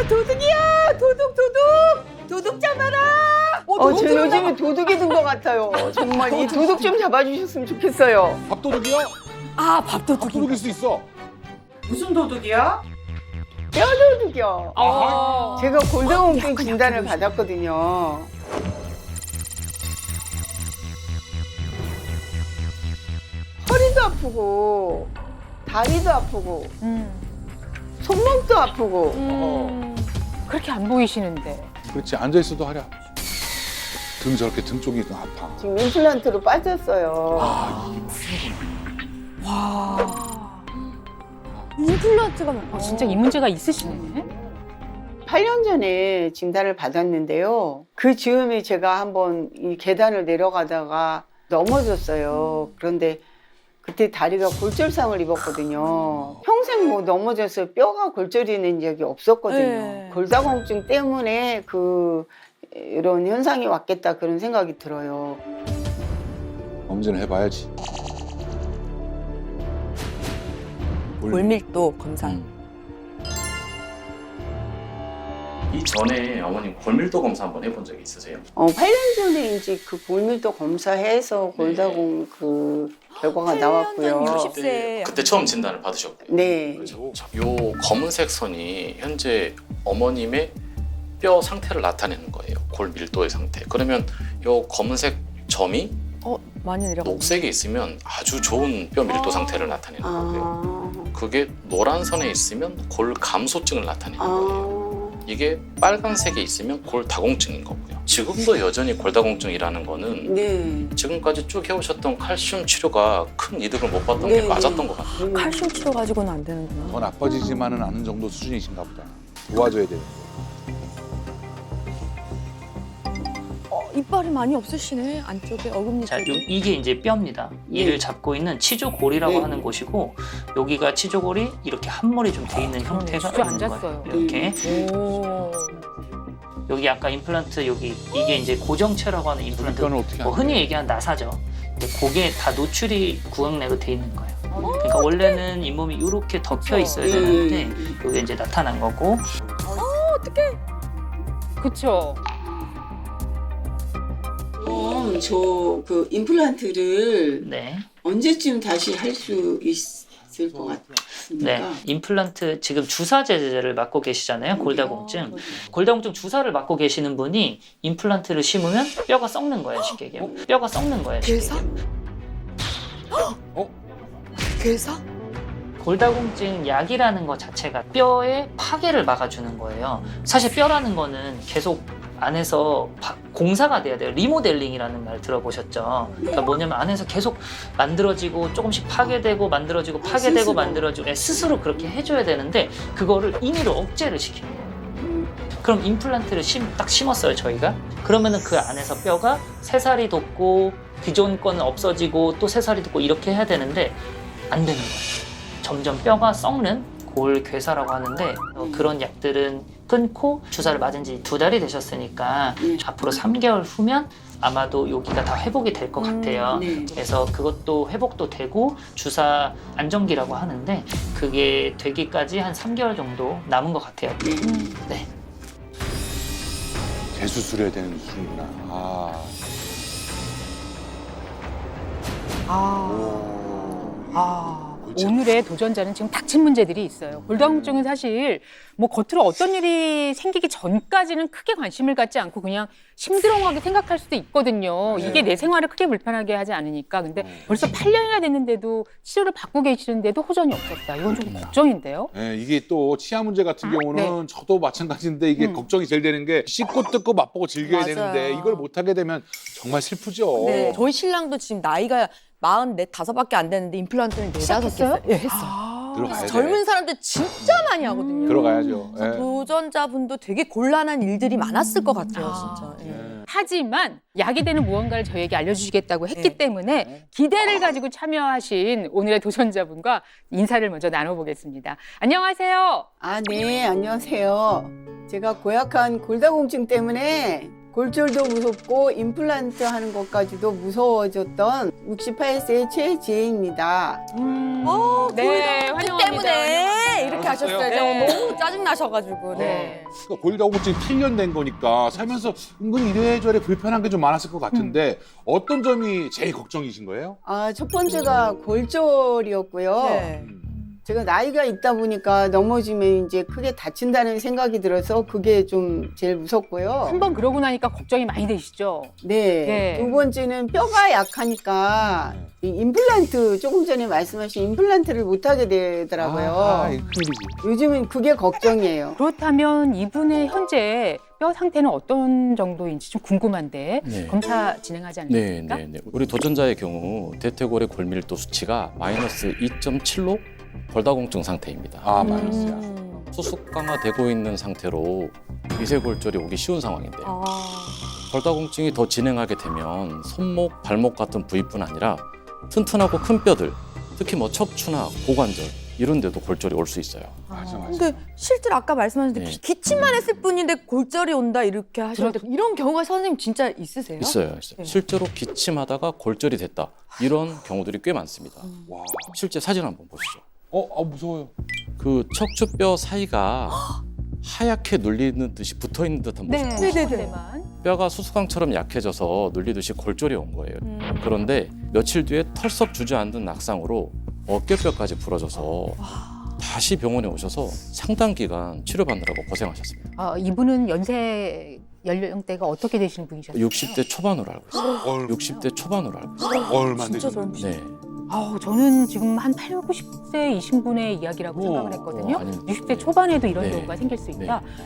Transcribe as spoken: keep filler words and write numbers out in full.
도둑이야! 도둑 도둑! 도둑 잡아라! 어, 제 요즘에 도둑이 든 것 같아요. 정말 이 도둑 좀 잡아주셨으면 좋겠어요. 밥도둑이요? 아, 밥도둑이. 밥도둑일 수 있어. 무슨 도둑이야? 뼈도둑이요. 아. 제가 골다공증 진단을 받았거든요. 허리도 아프고 다리도 아프고 음. 손목도 아프고 음. 그렇게 안 보이시는데. 그렇지, 앉아있어도 하랴. 등 저렇게 등 쪽이 아파. 지금 임플란트로 빠졌어요. 와. 임플란트가 막. 어, 진짜 이 문제가 있으시네. 팔 년 전에 진단을 받았는데요. 그 즈음에 제가 한번 이 계단을 내려가다가 넘어졌어요. 그런데 그때 다리가 골절상을 입었거든요. 평생 뭐 넘어져서 뼈가 골절이 된 적이 없었거든요. 네. 골다공증 때문에 그 이런 현상이 왔겠다 그런 생각이 들어요. 검진을 해봐야지. 골밀도 검사. 음. 이전에 어머님 골밀도 검사 한번 해본 적이 있으세요? 어, 팔 년 전에 이제 그 골밀도 검사해서 골다공 그 결과가 나왔고요. 육십 세. 그때 처음 진단을 받으셨고. 네. 그렇죠. 요 검은색 선이 현재 어머님의 뼈 상태를 나타내는 거예요. 골 밀도의 상태. 그러면 요 검은색 점이 어, 많이 내려가. 녹색에 있으면 아주 좋은 뼈 밀도 상태를 나타내는 거고요. 아, 그게 노란 선에 있으면 골 감소증을 나타내는 거예요. 아, 이게 빨간색에 있으면 골 다공증인 거고요. 지금도 여전히 골 다공증이라는 거는 네. 지금까지 쭉 해오셨던 칼슘 치료가 큰 이득을 못 봤던 네, 게 맞았던 것 같아요. 네. 칼슘 치료 가지고는 안 되는구나. 더 나빠지지만은 않은 정도 수준이신가 보다. 도와줘야 돼. 어, 이빨이 많이 없으시네. 안쪽에 어금니 자, 요, 쪽에. 이게 이제 뼈입니다. 이를 잡고 있는 치조골이라고 네. 하는 곳이고 여기가 치조골이 이렇게 한몰이 좀 돼 있는 형태가 있는 주저앉았어요. 거예요. 이렇게 오. 여기 아까 임플란트 여기 이게 이제 고정체라고 하는 임플란트. 뼈는 어떻게 뭐 안 돼? 흔히 얘기하는 나사죠. 근데 그게 다 노출이 구강내로 돼 있는 거예요. 그러니까 원래는 잇몸이 이렇게 덮여 있어야 되는데 이게 이제 나타난 거고. 그쵸? 그럼 저 그 임플란트를 네. 언제쯤 다시 할 수 있을 것 같습니까? 네, 임플란트 지금 주사제를 맞고 계시잖아요. 골다공증. 골다공증 주사를 맞고 계시는 분이 임플란트를 심으면 뼈가 썩는 거예요, 쉽게 얘기하면. 뼈가 썩는 거예요, 쉽게 괴사? 얘기하면. 어? 괴사? 골다공증 약이라는 것 자체가 뼈의 파괴를 막아주는 거예요. 사실 뼈라는 거는 계속 안에서 바- 공사가 돼야 돼요. 리모델링이라는 말 들어보셨죠? 그러니까 뭐냐면 안에서 계속 만들어지고 조금씩 파괴되고 만들어지고 파괴되고 스스로. 만들어지고 네, 스스로 그렇게 해줘야 되는데 그거를 임의로 억제를 시키는 거예요. 그럼 임플란트를 심, 딱 심었어요, 저희가. 그러면은 그 안에서 뼈가 새살이 돋고 기존 거는 없어지고 또 새살이 돋고 이렇게 해야 되는데 안 되는 거예요. 점점 뼈가 썩는 골괴사라고 하는데 어, 그런 약들은 끊고 주사를 맞은 지 두 달이 되셨으니까 네. 앞으로 삼 개월 후면 아마도 여기가 다 회복이 될 것 음, 같아요. 네. 그래서 그것도 회복도 되고 주사 안정기라고 하는데 그게 되기까지 한 삼 개월 정도 남은 것 같아요. 네. 재수술해야 되는 수준이구나. 아. 아. 오. 아. 골치 오늘의 도전자는 지금 닥친 문제들이 있어요. 골다공증은 사실 뭐 겉으로 어떤 일이 생기기 전까지는 크게 관심을 갖지 않고 그냥 심드렁하게 생각할 수도 있거든요. 네. 이게 내 생활을 크게 불편하게 하지 않으니까. 근데 어. 벌써 팔 년이나 됐는데도 치료를 받고 계시는데도 호전이 없었다. 이건 좀 걱정인데요. 네, 이게 또 치아 문제 같은 경우는 저도 마찬가지인데 이게 음. 걱정이 제일 되는 게 씻고 뜯고 맛보고 즐겨야 맞아요. 되는데 이걸 못하게 되면 정말 슬프죠. 네. 저희 신랑도 지금 나이가 마흔넷 다섯밖에 안 되는데 임플란트는 네다섯 개 시작했어요? 했어요. 예, 했어. 아. 들어가야 돼. 젊은 사람들 진짜 많이 하거든요. 들어가야죠. 그래서 예. 도전자분도 되게 곤란한 일들이 많았을 것 같아요, 아. 진짜. 예. 예. 하지만 약이 되는 무언가를 저희에게 알려주시겠다고 했기 네. 때문에 기대를 가지고 참여하신 오늘의 도전자분과 인사를 먼저 나눠보겠습니다. 안녕하세요. 아, 네, 안녕하세요. 제가 고약한 골다공증 때문에 골절도 무섭고 임플란트 하는 것까지도 무서워졌던 육십팔 세 최지혜입니다. 어, 네, 골다공증 환영합니다. 때문에 이렇게 하셨어요. 네. 너무 짜증 나셔가지고. 네. 그러니까 골다공증이 필연된 거니까 살면서 은근히 이래저래 불편한 게 좀 많았을 것 같은데 어떤 점이 제일 걱정이신 거예요? 아, 첫 번째가 골절이었고요. 네. 음. 제가 나이가 있다 보니까 넘어지면 이제 크게 다친다는 생각이 들어서 그게 좀 제일 무섭고요. 한 번 그러고 나니까 걱정이 많이 되시죠? 네. 네. 두 번째는 뼈가 약하니까 이 임플란트 조금 전에 말씀하신 임플란트를 못 하게 되더라고요. 아, 이거 큰일이지. 요즘은 그게 걱정이에요. 그렇다면 이분의 현재 뼈 상태는 어떤 정도인지 좀 궁금한데 네. 검사 진행하지 네, 않습니까? 네, 네. 우리 도전자의 경우 대퇴골의 골밀도 수치가 마이너스 이 점 칠로 골다공증 상태입니다. 아, 마이너스야. 음. 수축 강화되고 있는 상태로 미세골절이 오기 쉬운 상황인데요. 아. 골다공증이 더 진행하게 되면 손목, 발목 같은 부위뿐 아니라 튼튼하고 큰 뼈들, 특히 뭐 척추나 고관절 이런 데도 골절이 올 수 있어요. 맞아, 맞아. 근데 실제로 아까 말씀하셨는데 네. 기침만 했을 뿐인데 골절이 온다 이렇게 하셨는데 이런 경우가 선생님 진짜 있으세요? 있어요, 있어요. 네. 실제로 기침하다가 골절이 됐다. 이런 경우들이 꽤 많습니다. 와. 실제 사진 한번 보시죠. 어, 아, 무서워요. 그 척추뼈 사이가 하얗게 눌리는 듯이 붙어 있는 듯한 모습. 네, 네네네. 네네. 뼈가 수수깡처럼 약해져서 눌리듯이 골절이 온 거예요. 음. 그런데 며칠 뒤에 털썩 주저앉은 낙상으로 어깨뼈까지 부러져서 다시 병원에 오셔서 상당 기간 치료받느라고 고생하셨습니다. 아, 이분은 연세 연령대가 어떻게 되시는 분이셨어요? 육십 대 초반으로 알고 있어요. 얼, 육십 대 초반으로 알고 있어요. 얼마 진짜 되죠? 저런 네. 아우, 저는 지금 한 팔, 구십 세이신 분의 이야기라고 오, 생각을 했거든요. 어, 아닙니다. 육십 대 초반에도 이런 네. 경우가 생길 수 있다.